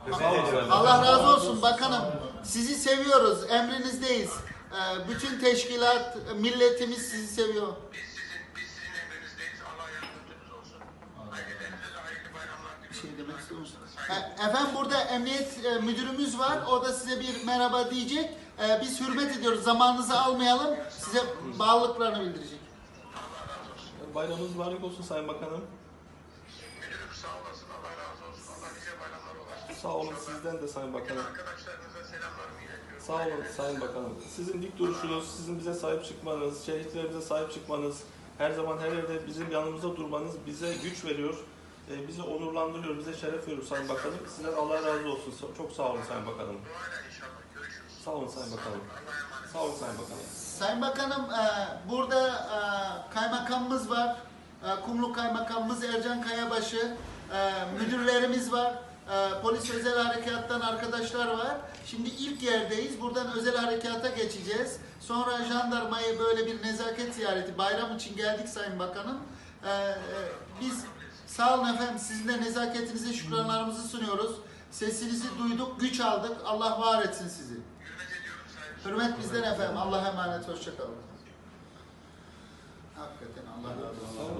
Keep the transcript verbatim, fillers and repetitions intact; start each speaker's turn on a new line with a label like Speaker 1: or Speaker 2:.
Speaker 1: Allah razı olsun bakanım. Sizi seviyoruz, emrinizdeyiz. Ee, bütün teşkilat, milletimiz sizi seviyor.
Speaker 2: Biz sizin, biz sizin emrinizdeyiz. Allah yardımcınız olsun. Ailelerinize de hayırlı bayramlar
Speaker 1: Bir şey
Speaker 2: diliyorum.
Speaker 1: demek istiyor musunuz? E, Efendim burada emniyet e, müdürümüz var. O da size bir merhaba diyecek. E, biz hürmet ediyoruz. Zamanınızı almayalım. Size bağlılıklarını bildirecek.
Speaker 3: Bayramınız mübarek olsun Sayın Bakanım.
Speaker 2: Müdürüm sağ olasın. Allah razı olsun. Allah nice bayramlar ulaştırsın.
Speaker 3: Sağ olun sizden de Sayın
Speaker 2: Bütün
Speaker 3: Bakanım.
Speaker 2: arkadaşlarınıza selamlarımı iletiyorum.
Speaker 3: Sağ olun Sayın Bakanım. Sizin dik duruşunuz, sizin bize sahip çıkmanız, şehitlerimize sahip çıkmanız, her zaman her yerde bizim yanımızda durmanız bize güç veriyor, e, bizi onurlandırıyor, bize şeref veriyor Sayın Bakanım. Sizden Allah razı olsun. Çok sağ olun Sayın Bakanım.
Speaker 2: Duayla inşallah görüşürüz.
Speaker 3: Sağ olun Sayın Bakanım.
Speaker 2: Allah'a emanet.
Speaker 3: Sağ olun Sayın Bakanım.
Speaker 1: Sayın Bakanım e, burada e, kaymakamımız var. E, Kumlu Kaymakamımız Ercan Kayabaşı, e, müdürlerimiz var. E, polis özel harekattan arkadaşlar var. Şimdi ilk yerdeyiz. Buradan özel harekata geçeceğiz. Sonra jandarmayı böyle bir nezaket ziyareti bayram için geldik Sayın Bakanım. E, e, biz sağ olun efendim sizin de nezaketinize şükranlarımızı sunuyoruz. Sesinizi duyduk, güç aldık. Allah var etsin sizi.
Speaker 2: Hürmet ediyorum sayın.
Speaker 1: Hürmet bizden efendim. Allah'a emanet. Hoşça kalın. Hakikaten Allah razı olsun.